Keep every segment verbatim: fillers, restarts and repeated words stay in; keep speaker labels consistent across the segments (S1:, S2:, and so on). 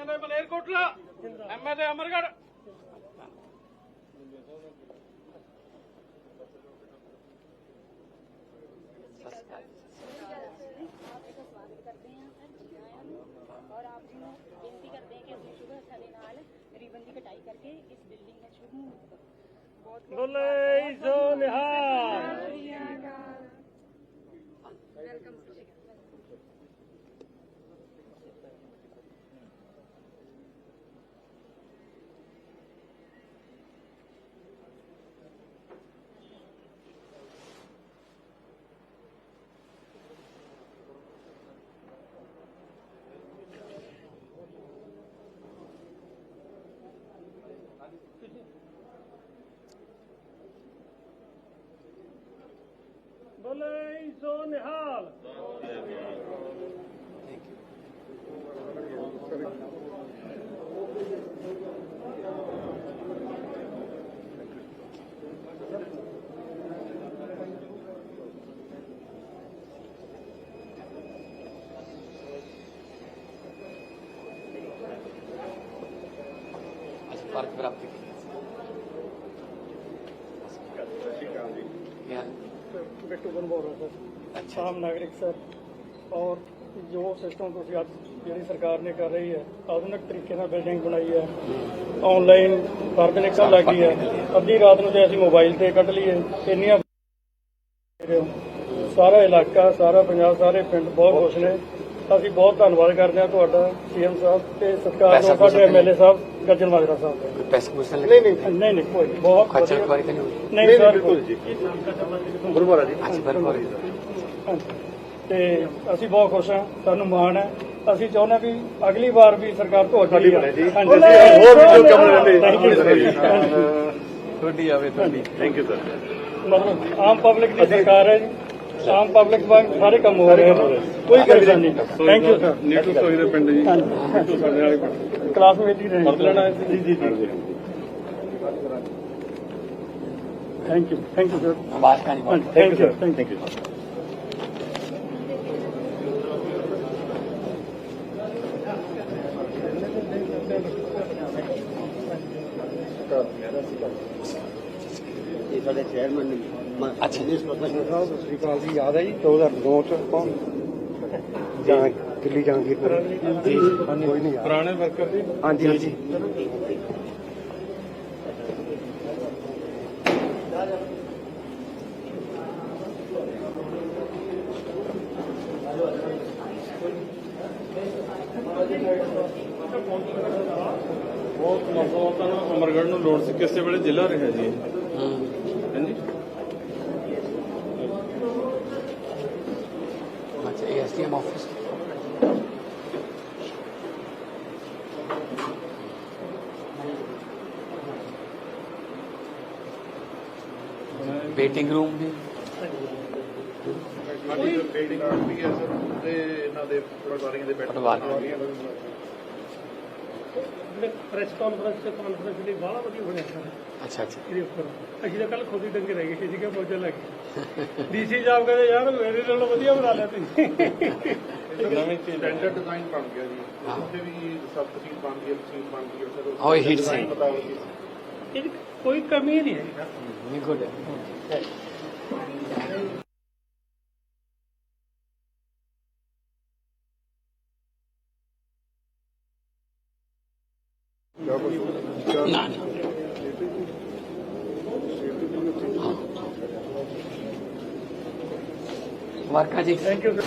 S1: MLA Malerkotla, MLA Amargarh.
S2: और आप जी ਨੂੰ ਬੇਨਤੀ ਕਰਦੇ ਹਾਂ ਕਿ ਅਸੀਂ ਸ਼ੁਭ ਹੱਥਾਂ ਦੇ ਨਾਲ ਰਿਬਨ ਦੀ ਕਟਾਈ ਕਰਕੇ ਇਸ ਬਿਲਡਿੰਗ ਦਾ ਸ਼ੁਭ ਮੁਹੂਰਤ ਬਹੁਤ
S1: बोले सो निहाल।
S2: ਵੈਲਕਮ।
S1: बोले सो निहाल।
S3: फर्क प्राप्त
S4: ਬਿੱਟੂ ਬਨਬੋਰਾ ਸਰ।
S3: अच्छा
S4: ਆਮ ਨਾਗਰਿਕ ਸਰ। ਔਰ ਜੋ ਸਿਸਟਮ ਤੁਸੀਂ ਅੱਜ ਜਿਹੜੀ ਸਰਕਾਰ ਨੇ ਕਰ ਰਹੀ ਹੈ, ਆਧੁਨਿਕ ਤਰੀਕੇ ਨਾਲ ਬਿਲਡਿੰਗ ਬਣਾਈ ਹੈ, ਆਨਲਾਈਨ ਫਰਦ ਨਿਕਲ ਲੱਗੀ ਹੈ। ਅੱਧੀ ਰਾਤ ਨੂੰ ਜੇ ਅਸੀਂ ਮੋਬਾਈਲ ਤੇ ਕੱਢ ਲਈਏ ਇੰਨੀਆਂ ਸਾਰਾ ਇਲਾਕਾ, ਸਾਰਾ ਪੰਜਾਬ, ਸਾਰੇ ਪਿੰਡ ਬਹੁਤ ਖੁਸ਼ ਨੇ। ਅਸੀਂ ਬਹੁਤ ਧੰਨਵਾਦ ਕਰਦੇ ਹਾਂ ਤੁਹਾਡਾ ਸੀਐਮ ਸਾਹਿਬ ਤੇ ਸਤਿਕਾਰਯੋਗ ਸਾਡੇ ਐਮਐਲਏ ਸਾਹਿਬ ਗੱਜਣ ਮਾਜਰਾ ਸਾਹਿਬ।
S3: पैसे पूछने
S4: ਨਹੀਂ ਨਹੀਂ ਨਹੀਂ ਨਹੀਂ ਕੋਈ ਬਹੁਤ
S3: खर्चा
S4: ਵਧੀਆ।
S3: एक बार नहीं
S4: ਨਹੀਂ ਸਰ
S1: गुरुवारा जी।
S3: अच्छा बराबर
S4: ਹਾਂਜੀ। ਤੇ ਅਸੀਂ ਬਹੁਤ ਖੁਸ਼ ਹਾਂ, ਸਾਨੂੰ ਮਾਣ ਹੈ। ਅਸੀਂ ਚਾਹੁੰਦੇ ਹਾਂ ਵੀ ਅਗਲੀ ਵਾਰ ਵੀ ਸਰਕਾਰ ਤੁਹਾਡੀ ਬਣੇ ਜੀ। ਹਾਂਜੀ,
S1: ਹੋਰ ਵੀ ਜੋ ਕੰਮ ਰਹਿੰਦੇ।
S4: Thank you sir.
S3: थोड़ी आवे थोड़ी
S1: थैंक यू सर।
S4: ਮਤਲਬ ਆਮ ਪਬਲਿਕ ਦੀ ਸਰਕਾਰ ਹੈ ਜੀ। ਆਮ ਪਬਲਿਕ ਵਾਂਗ ਸਾਰੇ ਕੰਮ ਹੋ ਰਹੇ ਹਨ, ਕੋਈ ਪਰੇਸ਼ਾਨੀ ਨਹੀਂ। Thank you sir.
S1: ਨੀਟੂ ਸੋਈ ਦੇ ਪਿੰਡ ਜੀ। ਨੀਟੂ ਸਾਡੇ ਵਾਲੇ ਪਿੰਡ।
S4: ਕਲਾਸਮੇਟ ਹੀ ਰਹੇ।
S1: ਪਰਦ ਲੈਣਾ ਹੈ
S4: ਜੀ ਜੀ ਜੀ। Thank you thank you sir.
S3: बात का नहीं
S4: ਥੈਂਕ ਯੂ ਥੈਂਕ ਯੂ।
S5: ਇਹ ਸਾਡੇ ਚੇਅਰਮੈਨ ਨੇ
S3: अच्छा
S5: ਦਿਨੇਸ਼ ਪ੍ਰੋਫੈਸਰ ਸਾਹਿਬ ਸਤਿ ਸ੍ਰੀ ਅਕਾਲ ਜੀ। ਯਾਦ ਹੈ ਜੀ ਦੋ ਹਜ਼ਾਰ ਨੌ ਚ ਆਪਾਂ ਜਾਂ ਦਿੱਲੀ ਜਹਾਂਗੀਰਪੁਰ ਜੀ ਕੋਈ ਨਹੀਂ ਯਾਦ।
S1: ਪੁਰਾਣੇ ਵਰਕਰ ਜੀ।
S5: ਹਾਂਜੀ ਹਾਂਜੀ
S1: ਬਹੁਤ ਮਸਲਾ ਤਾਂ ਅਮਰਗੜ੍ਹ ਨੂੰ ਲੋੜ ਸੀ, ਕਿਸੇ ਵੇਲੇ ਜ਼ਿਲ੍ਹਾ ਰਿਹਾ ਜੀ। ਹਾਂਜੀ।
S3: अच्छा एसडीएम ऑफिस वेटिंग रूम भी
S1: ਸਾਡੀ ਬਿਲਡਿੰਗ ਵੀ ਹੈ ਸਰ, ਤੇ ਇਹਨਾਂ ਦੇ ਪਟਵਾਰੀਆਂ ਦੇ
S3: ਪਟਵਾਰੀ।
S4: ਪ੍ਰੈਸ ਕਾਨਫਰੰਸ ਤੇ ਕਾਨਫਰੰਸ ਲਈ ਬਾਹਲਾ ਵਧੀਆ ਬਣਿਆ ਸਰ।
S3: अच्छा अच्छा
S4: ਇਹਦੇ ਉੱਪਰ ਅਸੀਂ ਤਾਂ ਕੱਲ ਖੁਦ ਹੀ ਡੰਗੇ ਰਹਿ ਗਏ ਸੀ ਕਿ ਪਹੁੰਚਣ ਲੱਗੇ। ਡੀਸੀ ਸਾਹਿਬ ਕਹਿੰਦੇ ਯਾਰ ਮੇਰੇ ਨਾਲੋਂ ਵਧੀਆ ਬਣਾ ਲਿਆ ਤੁਸੀਂ।
S1: ਨਵੀਂ ਸਟੈਂਡਰਡ ਡਿਜ਼ਾਈਨ ਬਣ ਗਿਆ ਜੀ। ਉੱਥੇ ਵੀ ਸਭ ਕੁਝ ਬਣ ਗਿਆ, ਮਸ਼ੀਨ ਬਣ ਗਈ ਸਰ।
S3: हाँ हीट से
S1: design ਮੁਤਾਬਕ ਹੀ।
S4: ਇਹਦੀ ਕੋਈ ਕਮੀ ਨਹੀਂ ਹੈ ਸਰ।
S3: नहीं गुड है ना ना वर्का जी
S4: ਥੈਂਕ ਯੂ ਸਰ।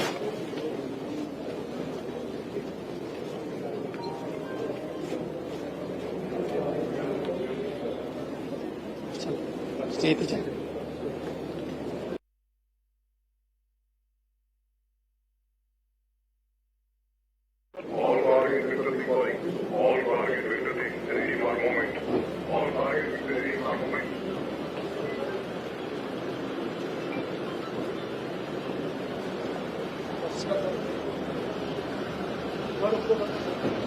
S3: स्टे पे चल
S6: All targets will be calling. All targets will be ready for movement. All targets will be ready for movement.
S4: Thank you.